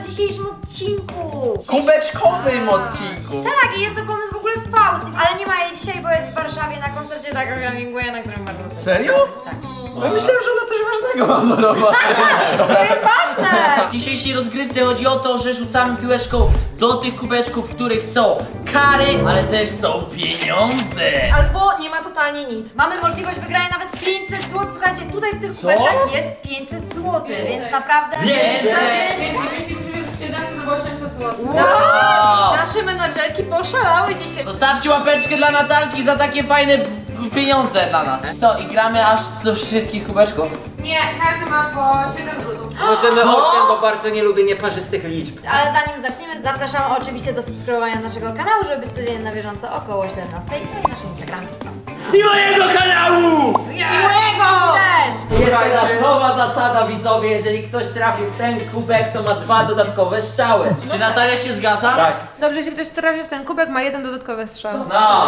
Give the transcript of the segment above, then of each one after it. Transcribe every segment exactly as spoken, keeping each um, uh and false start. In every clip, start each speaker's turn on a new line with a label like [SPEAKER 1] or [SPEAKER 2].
[SPEAKER 1] w dzisiejszym odcinku.
[SPEAKER 2] Kubeczkowym odcinku.
[SPEAKER 1] Tak, i jest to pomysł w ogóle Faust, ale nie ma jej dzisiaj, bo jest w Warszawie na koncercie Daga Hemingwaya, na którym bardzo chcę.
[SPEAKER 2] Serio?
[SPEAKER 1] Tak.
[SPEAKER 2] Ja myślałem, że ona coś ważnego ma do roboty.
[SPEAKER 1] To jest ważne!
[SPEAKER 3] W dzisiejszej rozgrywce chodzi o to, że rzucamy piłeczką do tych kubeczków, w których są kary, ale też są pieniądze.
[SPEAKER 4] Albo nie ma totalnie nic.
[SPEAKER 1] Mamy możliwość wygrania nawet pięćset złotych. Słuchajcie, tutaj w tych kubeczkach jest pięćset złotych, więc naprawdę...
[SPEAKER 3] Więcej!
[SPEAKER 5] Więcej, więcej przywiózł siedemset albo osiemset złotych.
[SPEAKER 3] Wow.
[SPEAKER 4] Nasze menadżerki poszalały dzisiaj.
[SPEAKER 3] Zostawcie łapeczkę dla Natalki za takie fajne pieniądze dla nas. Co, i gramy aż do wszystkich kubeczków?
[SPEAKER 5] Nie, każdy ma po siedem rzutów.
[SPEAKER 6] Możemy
[SPEAKER 3] Co?
[SPEAKER 6] osiem, bo bardzo nie lubię nieparzystych liczb.
[SPEAKER 1] Ale zanim zaczniemy, zapraszamy oczywiście do subskrybowania naszego kanału, żeby być codziennie na bieżąco około siedemnastej, no i naszej Instagramki.
[SPEAKER 2] I mojego kanału!
[SPEAKER 1] I mojego! Też!
[SPEAKER 6] Jest teraz nowa zasada, widzowie, jeżeli ktoś trafił w ten kubek, to ma dwa dodatkowe strzały.
[SPEAKER 3] Czy Natalia się zgadza?
[SPEAKER 6] Tak.
[SPEAKER 5] Dobrze, jeśli ktoś trafi w ten kubek, ma jeden dodatkowy strzał.
[SPEAKER 3] No.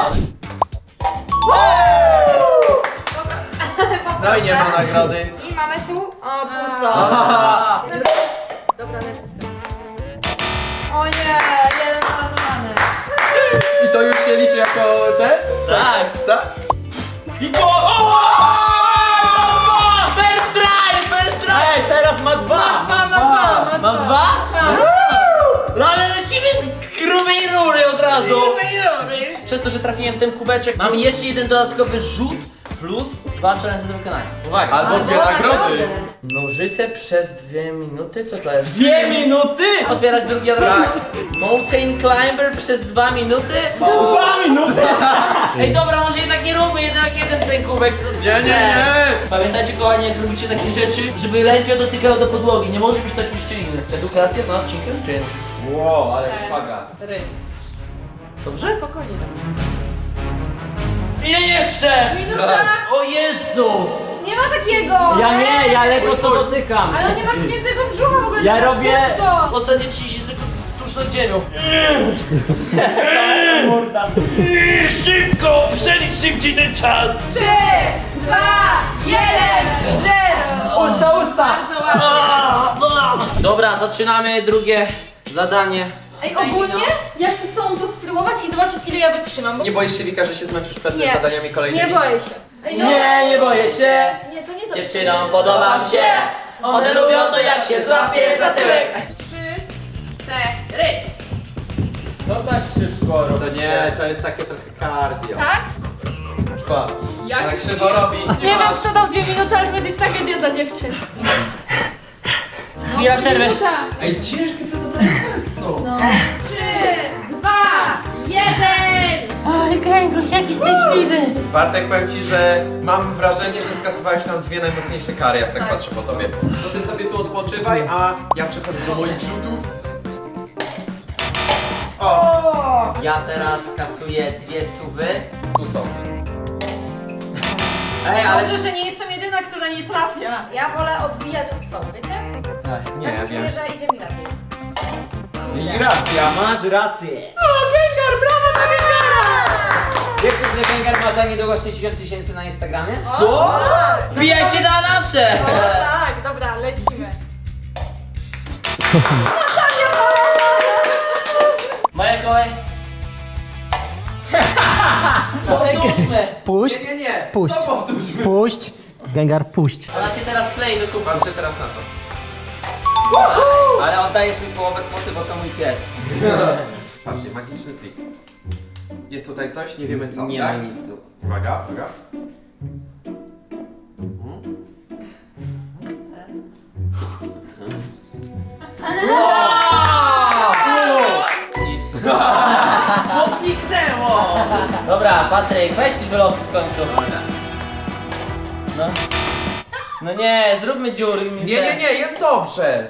[SPEAKER 2] No i nie ma nagrody.
[SPEAKER 1] I mamy tu, o, pusto.
[SPEAKER 4] Dobra, lecę z tym.
[SPEAKER 1] O nie, jeden zalatowany.
[SPEAKER 2] I to już się liczy jako ten?
[SPEAKER 3] Tak.
[SPEAKER 2] Tak?
[SPEAKER 6] I to... O!
[SPEAKER 3] First try, first try!
[SPEAKER 6] Ej, teraz ma dwa!
[SPEAKER 4] Ma dwa, ma dwa, ma
[SPEAKER 3] Mam dwa? No ale lecimy z grubej rury od razu. Przez to, że trafiłem w ten kubeczek, mam jeszcze jeden dodatkowy rzut plus dwa challenge do wykonania. Uwaga.
[SPEAKER 2] Albo dwie nagrody.
[SPEAKER 3] Nożyce przez dwie minuty? Co to jest?
[SPEAKER 6] Dwie minuty!
[SPEAKER 3] Otwierać drugi od razu. Mountain Climber przez dwa minuty?
[SPEAKER 6] Dwa minuty!
[SPEAKER 3] Ej dobra, może jednak nie róbmy jednak jeden ten kubek. co-
[SPEAKER 2] Nie, nie, nie.
[SPEAKER 3] Pamiętajcie kochani, jak robicie takie rzeczy, żeby lędzio dotykało do podłogi. Nie może być takich szczeliny. Edukacja na odcinkiem czy?
[SPEAKER 6] Wow, ale szpaga.
[SPEAKER 5] Ry.
[SPEAKER 3] Dobrze?
[SPEAKER 5] Spokojnie.
[SPEAKER 3] Ile jeszcze?
[SPEAKER 5] Minuta!
[SPEAKER 3] O Jezus!
[SPEAKER 5] Nie ma takiego!
[SPEAKER 6] Ja nie, ja ledwo co dotykam.
[SPEAKER 5] Ale on nie ma spiętego brzucha w ogóle.
[SPEAKER 6] Ja
[SPEAKER 5] nie ma
[SPEAKER 6] robię-
[SPEAKER 5] pusto.
[SPEAKER 3] Ostatnie trzydzieści sekund tuż nad ziemią.
[SPEAKER 6] Morda.
[SPEAKER 3] Szybko! Przelicz szybciej ten czas!
[SPEAKER 5] Trzy, dwa, jeden, zero!
[SPEAKER 6] Usta, usta!
[SPEAKER 5] Bardzo ładnie.
[SPEAKER 3] Dobra, zaczynamy drugie zadanie.
[SPEAKER 4] Ej, ogólnie ja chcę z tobą to spróbować i zobaczyć, ile ja wytrzymam. Bo...
[SPEAKER 2] Nie boisz się, Wika, że się zmęczysz przed
[SPEAKER 4] Nie.
[SPEAKER 2] zadaniami kolejnymi?
[SPEAKER 4] Nie boję się. Ej,
[SPEAKER 6] Nie, nie boję się.
[SPEAKER 4] Nie, to nie to.
[SPEAKER 3] Dziewczynom podobam się. One lubią to jak się złapie za tyłek.
[SPEAKER 5] Trzy, cztery.
[SPEAKER 6] No tak szybko robię.
[SPEAKER 2] To nie, to jest takie trochę cardio.
[SPEAKER 4] Tak?
[SPEAKER 2] Pa.
[SPEAKER 5] Jak
[SPEAKER 2] Tak krzywo robi.
[SPEAKER 4] Nie wiem, kto dał dwie minuty, aż będzie tragedia dla dziewczyn.
[SPEAKER 3] Chwila przerwy.
[SPEAKER 5] Minuta.
[SPEAKER 2] Ej, ciężkie te zadania są.
[SPEAKER 4] No.
[SPEAKER 5] Trzy, dwa, jeden.
[SPEAKER 3] Oj, Kręguś, jaki szczęśliwy.
[SPEAKER 2] Bartek, powiem ci, że mam wrażenie, że skasowałeś nam dwie najmocniejsze kary, jak tak, patrzę po tobie. To ty sobie tu odpoczywaj, a ja przechodzę do moich rzutów. O!
[SPEAKER 6] Ja teraz kasuję dwie stówy.
[SPEAKER 2] Tu są.
[SPEAKER 6] Ej, ale...
[SPEAKER 4] Dobrze, że nie jestem jedyna, która nie trafia.
[SPEAKER 1] Ja wolę odbijać od stołu, wiecie?
[SPEAKER 2] Nie,
[SPEAKER 1] Tak
[SPEAKER 2] wiem.
[SPEAKER 1] czuję, że idzie mi lepiej.
[SPEAKER 2] I racja.
[SPEAKER 6] Masz rację. O, Gengar, brawo dla Gengara! Wiecie, że Gengar ma za niedługo sześćdziesiąt tysięcy na Instagramie?
[SPEAKER 2] Co?
[SPEAKER 3] Wbijajcie na nasze!
[SPEAKER 4] O tak, dobra, lecimy.
[SPEAKER 3] Moja kolej. Powtórzmy.
[SPEAKER 7] Puść,
[SPEAKER 2] Nie, nie, nie.
[SPEAKER 7] Puść.
[SPEAKER 2] Co powtórzmy?
[SPEAKER 7] puść, Gengar, puść.
[SPEAKER 3] Ona się teraz klei do kubka.
[SPEAKER 2] Patrzę teraz na to.
[SPEAKER 6] Ale oddajesz mi połowę kwoty, bo to mój pies.
[SPEAKER 2] Patrzcie, magiczny trik. Jest tutaj coś? Nie wiemy co,
[SPEAKER 6] Nie
[SPEAKER 2] tak?
[SPEAKER 6] ma nic tu.
[SPEAKER 2] Uwaga, uwaga. Nic. Bo zniknęło!
[SPEAKER 3] Dobra, Patryk, weź coś wylosuj w końcu. No. No nie, zróbmy dziury.
[SPEAKER 2] Nie, nie, nie, jest dobrze.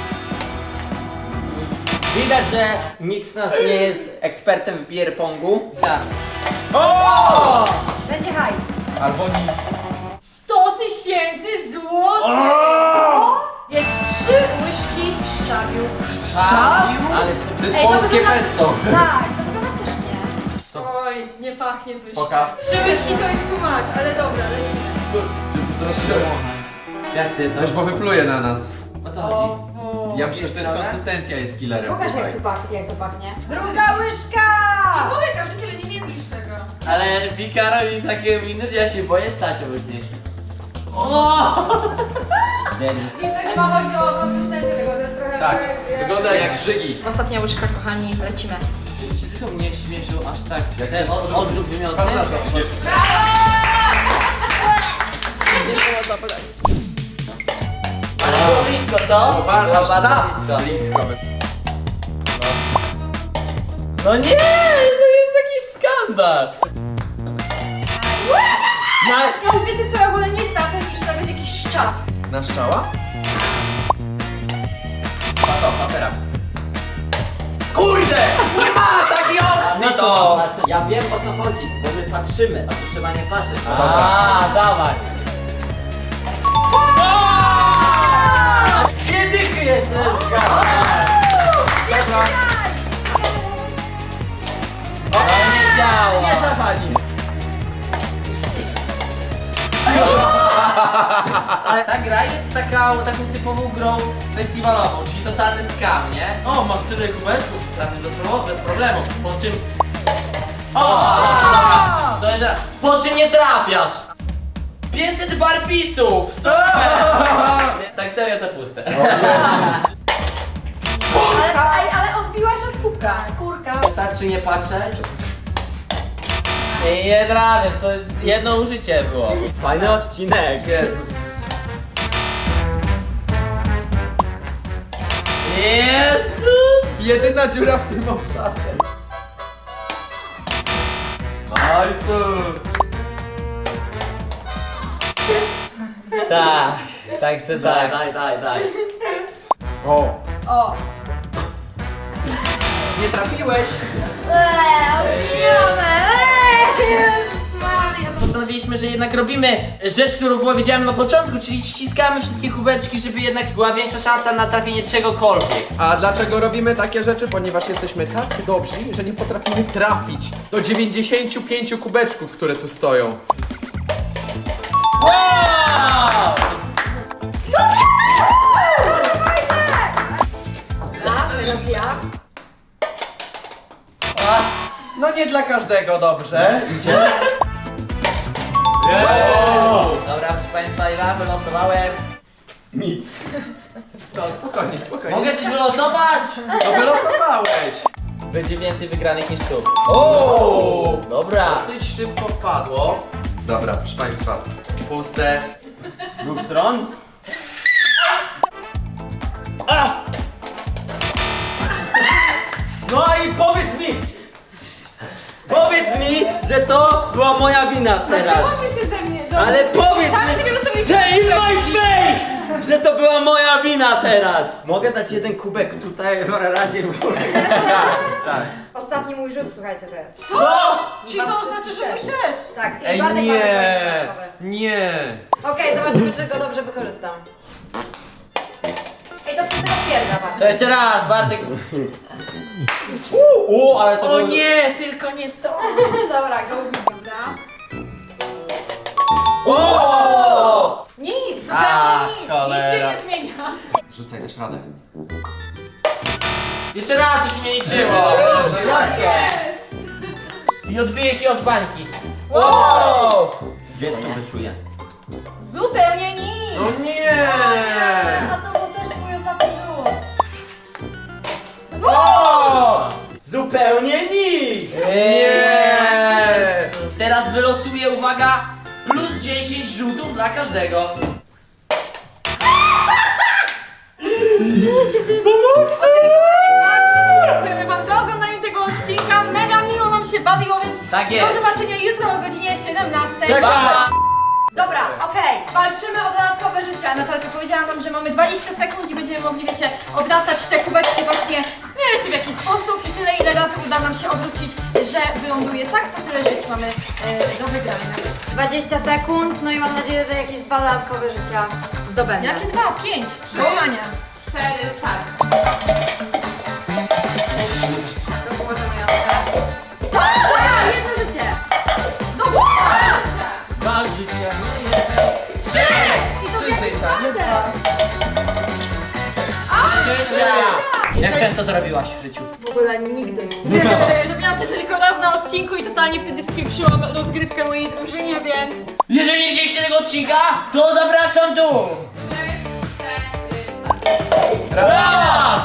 [SPEAKER 6] Widać, że nikt z nas nie jest ekspertem w beer pongu.
[SPEAKER 3] Tak.
[SPEAKER 6] O!
[SPEAKER 1] Będzie hajs.
[SPEAKER 2] Albo nic.
[SPEAKER 4] sto tysięcy złotych! Jest trzy łyżki szczawiu.
[SPEAKER 6] Ale sobie...
[SPEAKER 2] To jest
[SPEAKER 1] Ej, to
[SPEAKER 2] polskie
[SPEAKER 1] wygląda-
[SPEAKER 2] pesto.
[SPEAKER 1] Tak, to wygląda pysznie.
[SPEAKER 4] Oj, nie pachnie pysznie.
[SPEAKER 2] Poka.
[SPEAKER 4] Trzy łyżki to jest tłumacz, ale dobra, lecimy.
[SPEAKER 2] Się przestraszyłem.
[SPEAKER 6] Jak ty to?
[SPEAKER 2] Weź, bo wypluje na nas.
[SPEAKER 3] O co chodzi?
[SPEAKER 2] Ja myślę, że to jest konsystencja jest killerem.
[SPEAKER 1] Pokaż
[SPEAKER 2] tutaj.
[SPEAKER 1] jak to pachnie, jak to pachnie. Druga łyżka!
[SPEAKER 5] Mówię, każdy tyle nie mielisz tego.
[SPEAKER 3] Ale Wika robi takie miny, że ja się boję stać obok niej. O!
[SPEAKER 5] Widzę, chyba chodzi o konsystencję tego, to jest trochę...
[SPEAKER 2] Tak,
[SPEAKER 5] jak-
[SPEAKER 2] wygląda jak żygi.
[SPEAKER 4] Ostatnia łyżka, kochani, lecimy.
[SPEAKER 3] Czy ty to mnie śmieszył aż tak?
[SPEAKER 2] Jak
[SPEAKER 3] Ten
[SPEAKER 2] jest?
[SPEAKER 3] od, odruch wymiotny?
[SPEAKER 2] Pan na to.
[SPEAKER 3] Ale było blisko, co?
[SPEAKER 2] O, bardzo,
[SPEAKER 3] Było
[SPEAKER 2] aż za
[SPEAKER 3] blisko.
[SPEAKER 2] blisko.
[SPEAKER 3] No nie, to jest jakiś skandal.
[SPEAKER 4] Ja już wiecie co, ja wolę nie trafię niż nawet jakiś szczaf.
[SPEAKER 2] Na strzała? Pato, patera. Kurde! Nie ma takiej opcji
[SPEAKER 6] No
[SPEAKER 2] to!
[SPEAKER 6] to, patrzę. Ja wiem o co chodzi, bo my patrzymy, a tu trzeba nie patrzeć. No dobra.
[SPEAKER 3] A, dawaj.
[SPEAKER 6] Dwie dychy jeszcze zgadza.
[SPEAKER 3] To nie działa.
[SPEAKER 2] Nie dla pani.
[SPEAKER 3] Ale ta gra jest taka, taką typową grą festiwalową, czyli totalny skam, nie? O, masz tyle kubeczków, trafię do problemu, bez problemu. Po czym... O! To jest... Po czym nie trafiasz? pięćset barpisów! Super! Tak serio to puste.
[SPEAKER 1] Ale, ej, ale odbiłaś od kubka. Kurka.
[SPEAKER 6] Wystarczy nie patrzeć.
[SPEAKER 3] Nie, nie trafiasz, to jedno użycie było.
[SPEAKER 6] Fajny odcinek.
[SPEAKER 2] Jezus.
[SPEAKER 3] Jezus!
[SPEAKER 2] Jedyna dziura w tym obszarze.
[SPEAKER 3] Tak, także
[SPEAKER 6] Daj,
[SPEAKER 3] tak.
[SPEAKER 6] daj, daj, daj.
[SPEAKER 2] O.
[SPEAKER 1] O.
[SPEAKER 2] Nie trafiłeś.
[SPEAKER 1] Eee, odbijone. Eee, Jezus Maria.
[SPEAKER 3] Postanowiliśmy, że jednak robimy rzecz, którą powiedziałem na początku, czyli ściskamy wszystkie kubeczki, żeby jednak była większa szansa na trafienie czegokolwiek.
[SPEAKER 2] A dlaczego robimy takie rzeczy? Ponieważ jesteśmy tacy dobrzy, że nie potrafimy trafić do dziewięćdziesięciu pięciu kubeczków, które tu stoją.
[SPEAKER 3] Wow!
[SPEAKER 1] A, teraz ja.
[SPEAKER 2] No nie dla każdego, dobrze?
[SPEAKER 3] Dobra, proszę Państwa, ja wylosowałem.
[SPEAKER 6] Nic.
[SPEAKER 2] To spokojnie, spokojnie.
[SPEAKER 3] Mogę coś wylosować?
[SPEAKER 2] No wylosowałeś.
[SPEAKER 3] Będzie więcej wygranych niż tu. O! Dobra.
[SPEAKER 2] Dosyć szybko wpadło. Dobra, proszę Państwa. Puste.
[SPEAKER 6] Z dwóch stron. No i powiedz mi! Powiedz mi, że to była moja wina teraz!
[SPEAKER 5] Czemu wy się ze mnie... do-
[SPEAKER 6] Ale powiedz
[SPEAKER 5] Sami
[SPEAKER 6] mi,
[SPEAKER 5] sobie losowaliście
[SPEAKER 6] że in my
[SPEAKER 5] kubeczki.
[SPEAKER 6] face! Że to była moja wina teraz! Mogę dać jeden kubek tutaj w razie w ogóle.
[SPEAKER 2] Tak, tak.
[SPEAKER 1] Ostatni mój rzut, słuchajcie, to jest.
[SPEAKER 6] Co?
[SPEAKER 4] Czyli to oznacza, że mój też.
[SPEAKER 1] Tak, i
[SPEAKER 2] Ej,
[SPEAKER 1] Bartek ma
[SPEAKER 2] nie,
[SPEAKER 1] dodatkowy.
[SPEAKER 2] nie.
[SPEAKER 1] Okej, zobaczymy, czy go dobrze wykorzystam. Ej, to przez tego pierda,
[SPEAKER 3] To
[SPEAKER 1] Bartek.
[SPEAKER 3] jeszcze raz, Bartek.
[SPEAKER 6] U, ale to
[SPEAKER 2] O
[SPEAKER 6] było-
[SPEAKER 2] nie, tylko nie to.
[SPEAKER 1] Dobra, go ubił, prawda?
[SPEAKER 2] O!
[SPEAKER 4] Nic,
[SPEAKER 2] Ach,
[SPEAKER 4] zupełnie nic. Nic się
[SPEAKER 2] cholera.
[SPEAKER 4] nie zmienia.
[SPEAKER 2] Rzucaj, dasz radę.
[SPEAKER 3] Jeszcze raz, to się nie liczyło. I odbije się od bańki. Wow!
[SPEAKER 6] Dwie stówy czuję.
[SPEAKER 4] Zupełnie nic.
[SPEAKER 2] No nie.
[SPEAKER 1] A to był też twój ostatni rzut.
[SPEAKER 3] O!
[SPEAKER 6] Zupełnie nic!
[SPEAKER 2] Nie.
[SPEAKER 3] Teraz wylosuję, uwaga, plus dziesięć rzutów dla każdego.
[SPEAKER 4] Dziękujemy wam za oglądanie tego odcinka. Mega miło nam się bawiło, więc
[SPEAKER 3] Tak jest.
[SPEAKER 4] do zobaczenia jutro o godzinie siedemnastej.
[SPEAKER 6] Czekaj.
[SPEAKER 3] Pa!
[SPEAKER 1] Dobra, okej, walczymy o dodatkowe życie.
[SPEAKER 4] Natalka powiedziała nam, że mamy dwadzieścia sekund i będziemy mogli, wiecie, obracać te kubeczki właśnie, wiecie, w jakiś sposób i tyle, ile razy uda nam się obrócić, że wyląduje tak, to tyle żyć mamy e, do wygrania.
[SPEAKER 1] dwadzieścia sekund, no i mam nadzieję, że jakieś dwa dodatkowe życia zdobędę.
[SPEAKER 4] Jakie dwa? Pięć. Do łamania.
[SPEAKER 5] Cztery, start.
[SPEAKER 1] To pożenujące. Tak, jedno życie.
[SPEAKER 4] Dobrze.
[SPEAKER 6] Dwa życia.
[SPEAKER 1] I to
[SPEAKER 2] Trzy
[SPEAKER 1] jest
[SPEAKER 2] życia, nie
[SPEAKER 1] czwarte.
[SPEAKER 2] Gdzie jest
[SPEAKER 3] Jak często to robiłaś w życiu?
[SPEAKER 4] W ogóle nigdy. Robiłam to tylko raz na odcinku i totalnie wtedy spieprzyłam rozgrywkę mojej drużynie, więc...
[SPEAKER 3] Jeżeli nie widzieliście tego odcinka, to zapraszam tu! Raz!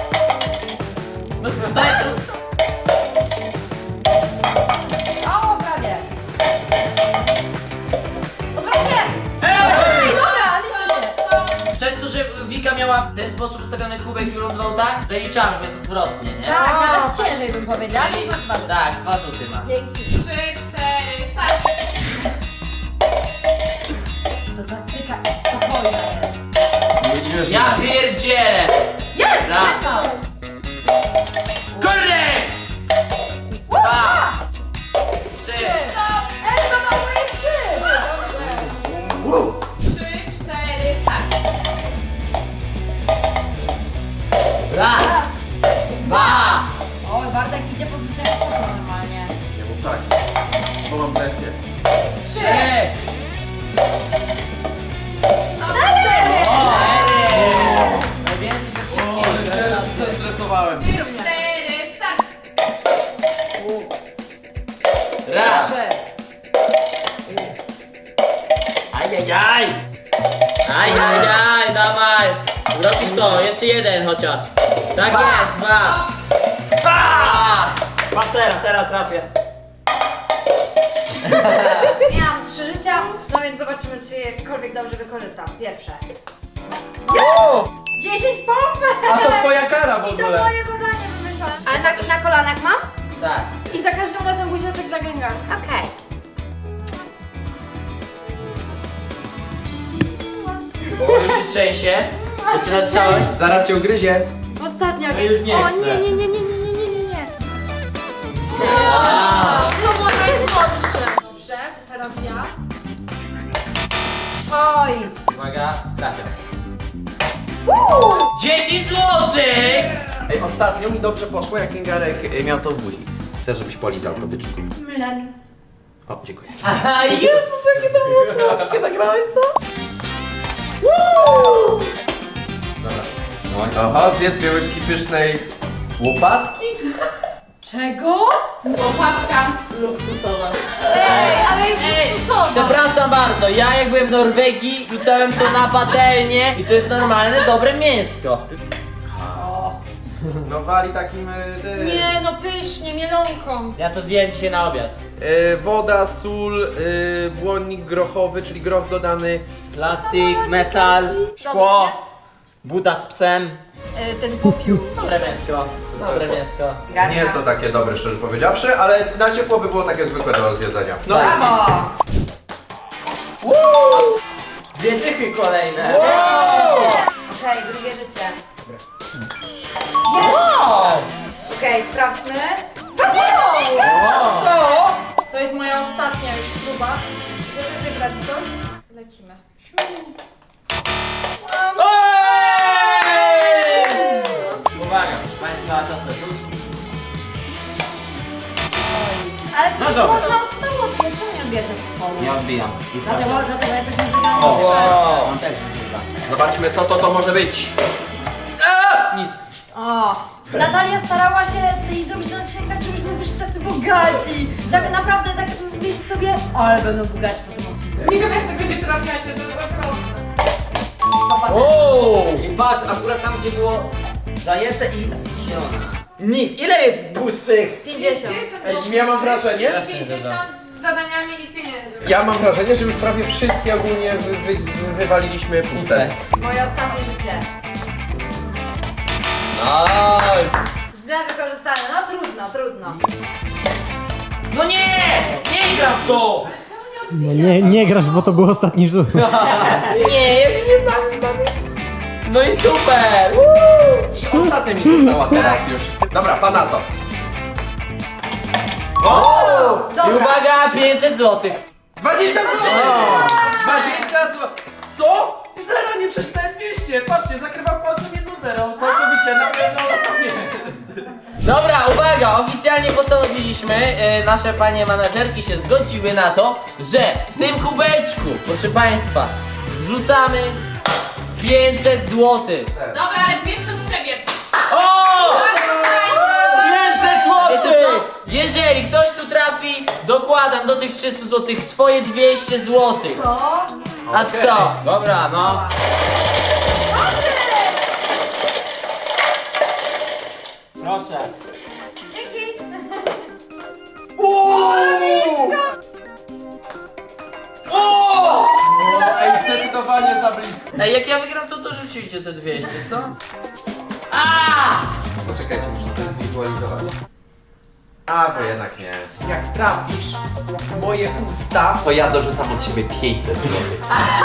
[SPEAKER 3] No co, daj to...
[SPEAKER 1] O, prawie. Odwrotnie! Ej! Dobra, liczy się.
[SPEAKER 3] Przez to, że Wika miała w ten sposób ustawiony kubek i wylądował tak, zaliczamy, bo jest odwrotnie, nie?
[SPEAKER 1] Tak, nawet ciężej bym powiedziała, więc masz dwa rzuty.
[SPEAKER 3] Tak, dwa rzuty ma.
[SPEAKER 1] Dzięki.
[SPEAKER 5] Trzy, cztery, start!
[SPEAKER 1] To taktyka spokojna jest.
[SPEAKER 3] Ja pierdzielę!
[SPEAKER 1] Jest!
[SPEAKER 3] Raz.
[SPEAKER 1] Jest!
[SPEAKER 3] Kurde! Dwa! Trzy!
[SPEAKER 1] Ej, to ma moje trzy!
[SPEAKER 5] Trzy, cztery, start!
[SPEAKER 3] Raz! Dwa!
[SPEAKER 1] Oj, Bartek idzie po zwycięstwo normalnie.
[SPEAKER 2] Nie mów tak, bo mam presję.
[SPEAKER 3] Trzy!
[SPEAKER 1] Cztery!
[SPEAKER 3] Cztery! Najwięcej ze wszystkich.
[SPEAKER 2] Teraz zestresowałem.
[SPEAKER 5] Cztery, start!
[SPEAKER 3] Raz!
[SPEAKER 1] Trzy.
[SPEAKER 3] Ajajaj! Ajajaj, dawaj! Zrobisz to, jeszcze jeden chociaż. Tak jest, dwa! Dwa!
[SPEAKER 6] Patrz teraz, teraz trafię.
[SPEAKER 1] Miałam trzy życia, no więc zobaczymy, czy jekolwiek dobrze wykorzystam. Pierwsze.
[SPEAKER 2] O!
[SPEAKER 1] dziesięć pompek!
[SPEAKER 2] A to twoja kara w
[SPEAKER 1] I to
[SPEAKER 2] ogóle.
[SPEAKER 1] moje zadanie wymyślone. Ale na, na kolanach mam?
[SPEAKER 3] Tak.
[SPEAKER 4] I za każdym razem buziaczek dla Gengar.
[SPEAKER 1] Okej.
[SPEAKER 3] O, już się trzęsie. Zaczyna trząść.
[SPEAKER 2] Zaraz cię ugryzie.
[SPEAKER 1] Ostatnia.
[SPEAKER 6] No już nie
[SPEAKER 1] O
[SPEAKER 6] chcę.
[SPEAKER 1] nie, nie, nie, nie, nie, nie, nie, nie, nie.
[SPEAKER 4] To było najsłodsze. Dobrze, to teraz ja.
[SPEAKER 1] Oj.
[SPEAKER 3] Uwaga, trafiam. dziesięć złotych!
[SPEAKER 2] Ej, ostatnio mi dobrze poszło, jak Kingarek y, miał to w buzi. Chcę, żebyś polizał to byczku.
[SPEAKER 1] Mlen.
[SPEAKER 2] O, dziękuję.
[SPEAKER 3] Aha, Jezus, jakie to było słodkie, nagrałeś to?
[SPEAKER 2] Dobra. Oho, zjedz dwie łyżki pysznej łopatki?
[SPEAKER 1] Czego?
[SPEAKER 5] Łopatka luksusowa.
[SPEAKER 4] Ej, ale jest
[SPEAKER 3] Ej,
[SPEAKER 4] luksusowa.
[SPEAKER 3] przepraszam bardzo, ja jak byłem w Norwegii, rzucałem to na patelnię i to jest normalne, dobre mięsko.
[SPEAKER 2] No wali takim... Y, ty.
[SPEAKER 4] Nie, no pysznie, mielonką.
[SPEAKER 3] Ja to zjem dzisiaj na obiad.
[SPEAKER 2] Y, woda, sól, y, błonnik grochowy, czyli groch dodany.
[SPEAKER 6] Plastik, metal, szkło, buda z psem.
[SPEAKER 4] E, ten popiół.
[SPEAKER 3] Dobre mięsko, dobre mięsko.
[SPEAKER 2] Nie jest to takie dobre, szczerze powiedziawszy, ale na ciepło by było takie zwykłe do zjedzenia. No
[SPEAKER 3] Tak.
[SPEAKER 1] Brawo!
[SPEAKER 6] Dwie dychy kolejne.
[SPEAKER 1] Okej, drugie życie.
[SPEAKER 3] Wow!
[SPEAKER 1] Okej, sprawdźmy.
[SPEAKER 2] Co?
[SPEAKER 4] To jest moja ostatnia już próba, żeby wybrać coś. Lecimy.
[SPEAKER 3] Uwaga, Państwa, to jest rzut.
[SPEAKER 1] Ale przecież
[SPEAKER 6] dobra.
[SPEAKER 1] można od stołu odbijać. Czemu nie odbijać od stołu?
[SPEAKER 6] Nie odbijam. I
[SPEAKER 1] Dlatego,
[SPEAKER 6] trafię.
[SPEAKER 1] dlatego jesteśmy wygrani.
[SPEAKER 6] O,
[SPEAKER 3] Wow.
[SPEAKER 6] on też wygrywa.
[SPEAKER 2] Zobaczmy, co to to może być. A! Nic.
[SPEAKER 1] O, Natalia starała się tej zrobić na dzisiaj tak, żebyśmy wyszli tacy bogaci. Tak naprawdę, tak myśl sobie, o, ale będą bogaci po tym odcinku.
[SPEAKER 5] Nie wiem jak tego nie trafiacie, to jest okropne.
[SPEAKER 1] Popatrz.
[SPEAKER 6] I patrz, akurat tam gdzie było zajęte i zielone. Nic, ile jest pustych?
[SPEAKER 1] pięćdziesiąt.
[SPEAKER 2] Ej, ja mam wrażenie,
[SPEAKER 5] pięćdziesiąt z zadaniami i z pieniędzmi.
[SPEAKER 2] ja mam wrażenie, że już prawie wszystkie ogólnie wy, wy, wy, wywaliliśmy puste.
[SPEAKER 1] Moje ostatnie życie.
[SPEAKER 6] Nice.
[SPEAKER 1] Źle wykorzystane, no trudno, trudno.
[SPEAKER 3] No nie! Nie gra w to!
[SPEAKER 7] No nie, nie grasz, bo to był ostatni rzut.
[SPEAKER 3] Nie, ja się nie bawię, bawię. No i super!
[SPEAKER 2] I ostatnia mi została teraz już. Dobra, pana to.
[SPEAKER 3] O! I
[SPEAKER 1] Dobra.
[SPEAKER 3] uwaga, pięćset złotych.
[SPEAKER 2] dwadzieścia złotych! dwadzieścia złotych! Co? Zero, nie przeczytałem dwieście. Patrzcie, zakrywam palcem jedno zero. Całkowicie na pewno to jest.
[SPEAKER 3] Dobra, uwaga, oficjalnie postanowiliśmy, e, nasze panie menadżerki się zgodziły na to, że w tym kubeczku, proszę państwa, wrzucamy pięćset złotych.
[SPEAKER 5] Dobra, ale dwieście od ciebie.
[SPEAKER 3] O! dokładam do tych trzystu złotych swoje dwieście złotych.
[SPEAKER 1] Co?
[SPEAKER 3] A
[SPEAKER 2] Okej.
[SPEAKER 3] co?
[SPEAKER 6] Dobra, no. Proszę.
[SPEAKER 1] Dzięki.
[SPEAKER 2] O, ej, zdecydowanie za blisko.
[SPEAKER 3] Ej, jak ja wygram, to dorzucicie te dwieście, co? A!
[SPEAKER 2] Poczekajcie, muszę sobie zwizualizować. A, bo jednak nie. Jak trafisz w moje usta, to ja dorzucam od siebie pięćset złotych.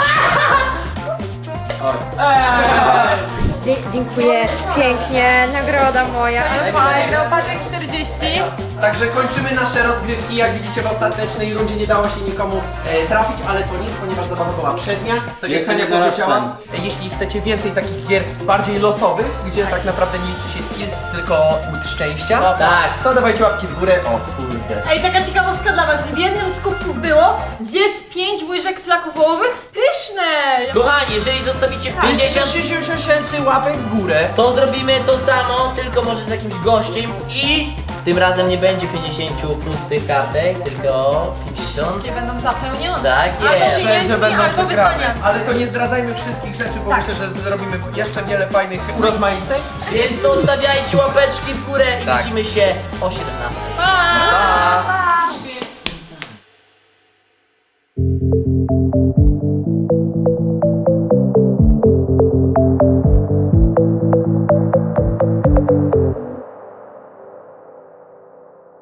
[SPEAKER 1] Dzie dziękuję pięknie, nagroda moja, ale fajna.
[SPEAKER 5] Paczek czterdzieści.
[SPEAKER 2] Także kończymy nasze rozgrywki. Jak widzicie, w ostatecznej rundzie nie dało się nikomu e, trafić, ale to nic, ponieważ zabawa była przednia. Tak jak
[SPEAKER 6] Jestem
[SPEAKER 2] Hania
[SPEAKER 6] jednorożcem.
[SPEAKER 2] powiedziała, e, jeśli chcecie więcej takich gier bardziej losowych, gdzie tak naprawdę nie liczy się skill, tylko łód szczęścia,
[SPEAKER 3] Tak.
[SPEAKER 2] to dawajcie łapki w górę. O kurde.
[SPEAKER 4] Ej, taka ciekawostka dla was. W jednym z kubków było zjedz pięć łyżek flaków wołowych. Pyszne!
[SPEAKER 3] Kochani, jeżeli zostawicie pięćdziesiąt,
[SPEAKER 2] pięćdziesiąt tysięcy łapek w górę.
[SPEAKER 3] to zrobimy to samo, tylko może z jakimś gościem i tym razem nie będzie pięćdziesiąt pustych kartek, tylko pięćdziesiąt.
[SPEAKER 4] Nie będą zapełnione.
[SPEAKER 3] Tak
[SPEAKER 4] Albo
[SPEAKER 3] jest.
[SPEAKER 4] pieniędzmi,
[SPEAKER 2] Wszędzie będą
[SPEAKER 4] albo
[SPEAKER 2] wygrane.
[SPEAKER 4] wyzwania.
[SPEAKER 2] Ale to nie zdradzajmy wszystkich rzeczy, bo myślę, że zrobimy jeszcze wiele fajnych urozmaiceń.
[SPEAKER 3] Więc zostawiajcie łapeczki w górę i
[SPEAKER 2] Tak.
[SPEAKER 3] widzimy się o siedemnastej.
[SPEAKER 4] Pa!
[SPEAKER 2] Pa!